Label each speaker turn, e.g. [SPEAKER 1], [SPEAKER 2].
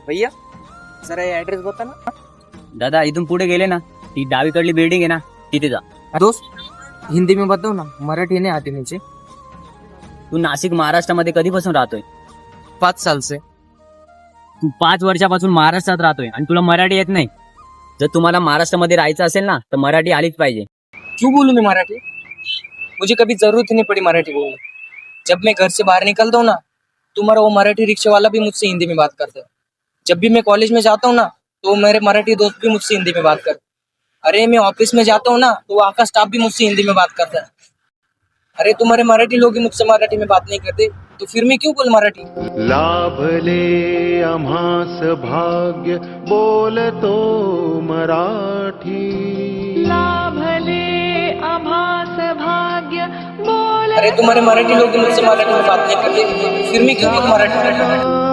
[SPEAKER 1] भैया जरा ऍड्रेस बता ना.
[SPEAKER 2] दादा इथून पुढे गेले ना, ती डावीकडली बिल्डिंग आहे ना, तिथे जा.
[SPEAKER 1] दोस्त हिंदी में बताओ ना, मराठी नहीं आती मुझे.
[SPEAKER 2] तू नाशिक महाराष्ट्रामध्ये कधीपासून राहतोय?
[SPEAKER 1] 5 साल से.
[SPEAKER 2] तू 5 वर्षापासून महाराष्ट्रात राहतोय आणि तुला मराठी येत नाही. जर तुम्हाला महाराष्ट्रामध्ये राहायचं असेल ना, तर मराठी आलीच पाहिजे.
[SPEAKER 1] क्यों बोलूं मैं मराठी? मुझे कभी जरूरत ही नहीं पड़ी मराठी बोलने. जब मैं घर से बाहर निकलता हूँ ना, तुम्हारा वो मराठी रिक्शे वाला भी मुझसे हिंदी में बात करता है. जब भी मैं कॉलेज में जाता हूँ ना, तो मेरे मराठी दोस्त भी मुझसे हिंदी में बात करते. अरे मैं ऑफिस में जाता हूँ ना, तो वहाँ का स्टाफ भी मुझसे हिंदी में बात करता है. अरे तुम्हारे मराठी लोग ही मुझसे मराठी में बात नहीं करते, तो फिर मैं क्यों बोल मराठी.
[SPEAKER 3] लाभले आम्हास भाग्य बोलतो मराठी.
[SPEAKER 4] लाभले आभास भाग्य बोल.
[SPEAKER 1] अरे तुम्हारे मराठी लोग ही मुझसे मराठी में बात नहीं करते, फिर मैं क्यों बोल मराठी.